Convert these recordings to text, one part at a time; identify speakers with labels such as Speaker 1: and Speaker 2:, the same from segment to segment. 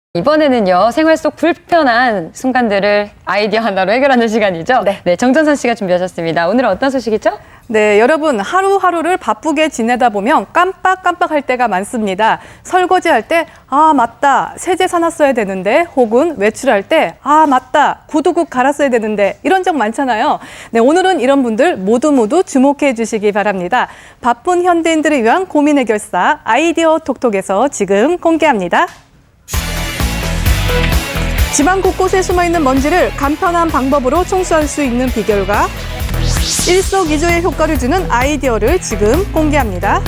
Speaker 1: 이번에는요, 생활 속 불편한 순간들을 아이디어 하나로 해결하는 시간이죠? 네, 정전선 씨가 준비하셨습니다. 오늘은 어떤 소식이죠?
Speaker 2: 네, 여러분 하루하루를 바쁘게 지내다 보면 깜빡깜빡할 때가 많습니다. 설거지할 때 아 맞다 세제 사놨어야 되는데, 혹은 외출할 때 아 맞다 구두국 갈았어야 되는데, 이런 적 많잖아요. 네, 오늘은 이런 분들 모두 주목해 주시기 바랍니다. 바쁜 현대인들을 위한 고민 해결사 아이디어 톡톡에서 지금 공개합니다. 집안 곳곳에 숨어있는 먼지를 간편한 방법으로 청소할 수 있는 비결과 일석이조의 효과를 주는 아이디어를 지금 공개합니다.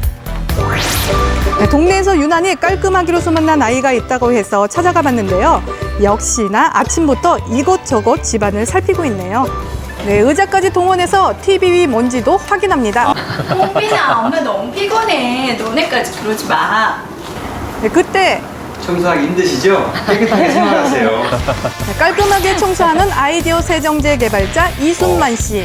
Speaker 2: 네, 동네에서 유난히 깔끔하기로 소문난 아이가 있다고 해서 찾아가 봤는데요. 역시나 아침부터 이곳저곳 집안을 살피고 있네요. 네, 의자까지 동원해서 TV 위 먼지도 확인합니다.
Speaker 3: 홍빈아, 엄마 너무 피곤해. 너네까지 그러지 마.
Speaker 2: 네, 그때
Speaker 4: 청소하기 힘드시죠? 깨끗하게 생활하세요.
Speaker 2: 네, 깔끔하게 청소하는 아이디어 세정제 개발자 이순만 씨.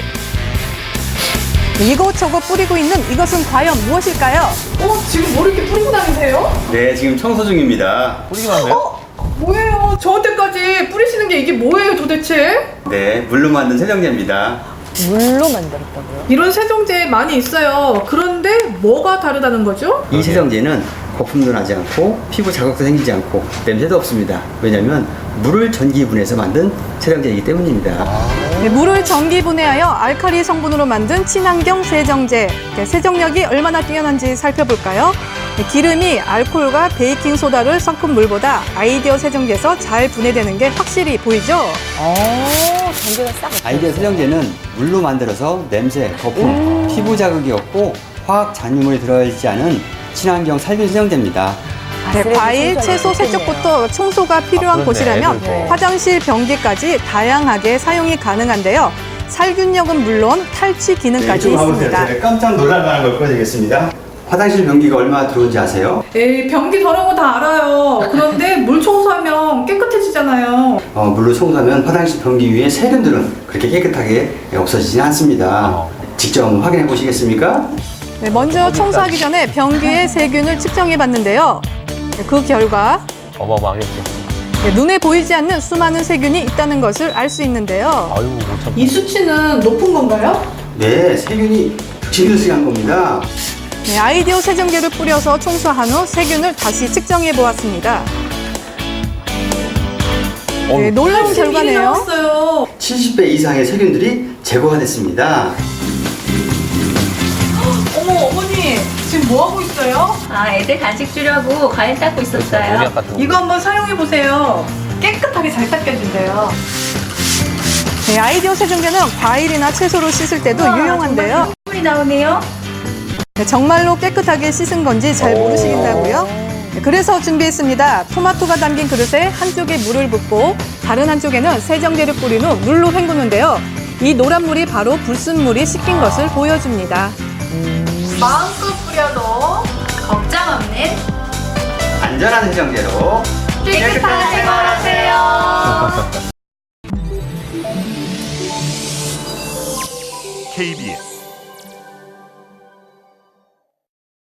Speaker 2: 이것저것 뿌리고 있는 이것은 과연 무엇일까요?
Speaker 5: 지금 뭐 이렇게 뿌리고 다니세요?
Speaker 4: 네, 지금 청소 중입니다.
Speaker 6: 뿌리기만 하네요?
Speaker 5: 뭐예요? 저한테까지 뿌리시는 게 이게 뭐예요 도대체?
Speaker 4: 네, 물로 만든 세정제입니다.
Speaker 1: 물로 만들었다고요?
Speaker 5: 이런 세정제 많이 있어요. 그런데 뭐가 다르다는 거죠?
Speaker 4: 이 세정제는 거품도 나지 않고 피부 자극도 생기지 않고 냄새도 없습니다. 왜냐하면 물을 전기분해해서 만든 세정제이기 때문입니다.
Speaker 2: 네, 물을 전기분해하여 알칼리 성분으로 만든 친환경 세정제. 네, 세정력이 얼마나 뛰어난지 살펴볼까요? 네, 기름이 알코올과 베이킹소다를 섞은 물보다 아이디어 세정제에서 잘 분해되는 게 확실히 보이죠?
Speaker 1: 전기가 싹
Speaker 4: 아이디어 세정제는 물로 만들어서 냄새, 거품, 피부 자극이 없고 화학 잔유물이 들어있지 않은 친환경 살균 세정제입니다.
Speaker 2: 네, 과일, 채소 세척부터 청소가 필요한
Speaker 6: 그렇네,
Speaker 2: 곳이라면
Speaker 6: 애들도.
Speaker 2: 화장실 변기까지 다양하게 사용이 가능한데요. 살균력은 물론 탈취 기능까지 있습니다.
Speaker 4: 깜짝 놀랄 만한 걸 보여드리겠습니다. 화장실 변기가 얼마나 들어온지 아세요?
Speaker 5: 에이, 변기 더러운 거 다 알아요. 그런데 물 청소하면 깨끗해지잖아요.
Speaker 4: 물로 청소하면 화장실 변기 위에 세균들은 그렇게 깨끗하게 없어지지 않습니다. 직접 한번 확인해 보시겠습니까?
Speaker 2: 네, 먼저 청소하기 전에 변기의 세균을 측정해 봤는데요. 네, 그 결과
Speaker 6: 어마어마하겠지.
Speaker 2: 네, 눈에 보이지 않는 수많은 세균이 있다는 것을 알 수 있는데요.
Speaker 6: 아유, 못 참다.
Speaker 5: 이 수치는 높은 건가요?
Speaker 4: 네, 세균이 득실득실한 겁니다.
Speaker 2: 네, 아이디어 세정제를 뿌려서 청소한 후 세균을 다시 측정해 보았습니다. 네, 놀라운
Speaker 5: 일이
Speaker 2: 결과네요.
Speaker 5: 나왔어요.
Speaker 4: 70배 이상의 세균들이 제거가 됐습니다.
Speaker 5: 어머, 어머니 지금 뭐 하고 있어요?
Speaker 3: 아, 애들 간식 주려고 과일 닦고 있었어요.
Speaker 6: 농약 같은 거.
Speaker 5: 이거 한번 사용해 보세요. 깨끗하게 잘 닦여진대요.
Speaker 2: 네, 아이디어 세정제는 과일이나 채소로 씻을 때도 유용한데요.
Speaker 3: 물이 나오네요.
Speaker 2: 네, 정말로 깨끗하게 씻은 건지 잘 모르시겠다고요? 네, 그래서 준비했습니다. 토마토가 담긴 그릇에 한쪽에 물을 붓고 다른 한쪽에는 세정제를 뿌린 후 물로 헹구는데요. 이 노란 물이 바로 불순물이 씻긴 것을 보여줍니다.
Speaker 5: 마음껏 뿌려도
Speaker 3: 걱정 없는
Speaker 4: 안전한 세정제로
Speaker 3: 깨끗한 생활하세요.